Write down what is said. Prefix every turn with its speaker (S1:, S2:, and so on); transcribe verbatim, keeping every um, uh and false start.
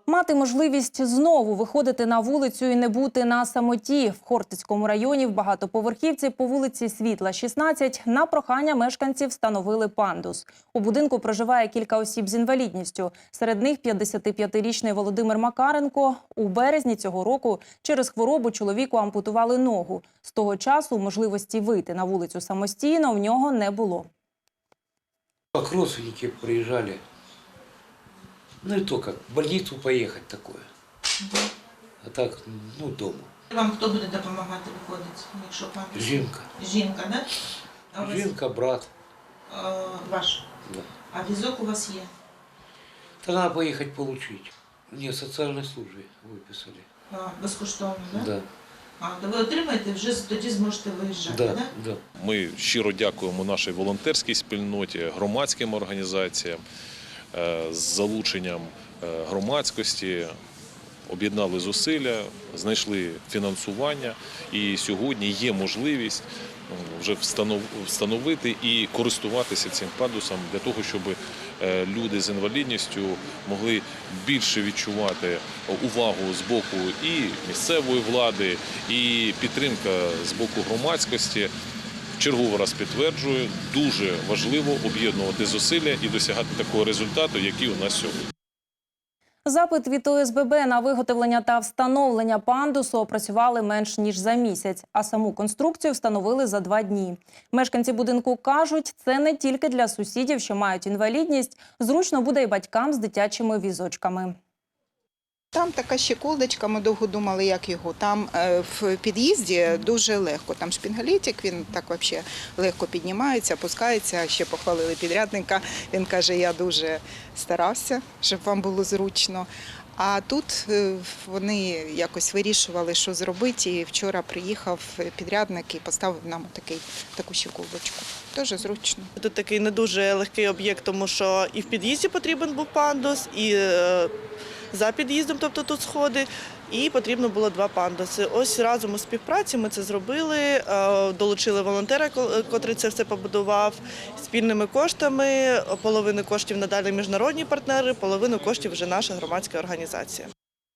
S1: Мати можливість знову виходити на вулицю і не бути на самоті. В Хортицькому районі в багатоповерхівці по вулиці Світла, шістнадцять, на прохання мешканців встановили пандус. У будинку проживає кілька осіб з інвалідністю. Серед них п'ятдесятип'ятирічний Володимир Макаренко. У березні цього року через хворобу чоловіку ампутували ногу. З того часу можливості вийти на вулицю самостійно в нього не було.
S2: Как родственники приезжали, ну и то как, в больницу поехать такое, а так, ну, дома.
S3: Вам хто буде допомагати виходити, якщо пам'ятаєте?
S2: Жінка.
S3: Жінка, да? А у вас,
S2: Жінка, брат.
S3: е, ваш?
S2: Да.
S3: А візок у вас є?
S2: Та надо поехать получить. Мне в социальной службе выписали.
S3: А, безкоштовно, да?
S2: Да,
S3: А, то ви отримаєте, вже тоді зможете виїжджати,
S2: да,
S3: да?
S2: да.
S4: Ми щиро дякуємо нашій волонтерській спільноті, громадським організаціям з залученням громадськості, об'єднали зусилля, знайшли фінансування і сьогодні є можливість вже встановити і користуватися цим пандусом для того, щоб люди з інвалідністю могли більше відчувати увагу з боку і місцевої влади, і підтримка з боку громадськості. Черговий раз підтверджую, дуже важливо об'єднувати зусилля і досягати такого результату, який у нас сьогодні.
S1: Запит від О С Б Б на виготовлення та встановлення пандусу опрацювали менш ніж за місяць, а саму конструкцію встановили за два дні. Мешканці будинку кажуть, це не тільки для сусідів, що мають інвалідність, зручно буде і батькам з дитячими візочками.
S5: Там така щеколдочка, ми довго думали, як його. Там е, в під'їзді дуже легко. Там шпінгалітик, він так взагалі легко піднімається, опускається. Ще похвалили підрядника. Він каже, я дуже старався, щоб вам було зручно. А тут е, вони якось вирішували, що зробити. І вчора приїхав підрядник і поставив нам такий, таку щеколдочку. Дуже зручно.
S6: Тут такий не дуже легкий об'єкт, тому що і в під'їзді потрібен був пандус, і е, за під'їздом, тобто тут сходи, і потрібно було два пандуси. Ось разом у співпраці ми це зробили, долучили волонтера, котрий це все побудував, спільними коштами, половину коштів надали міжнародні партнери, половину коштів вже наша громадська організація.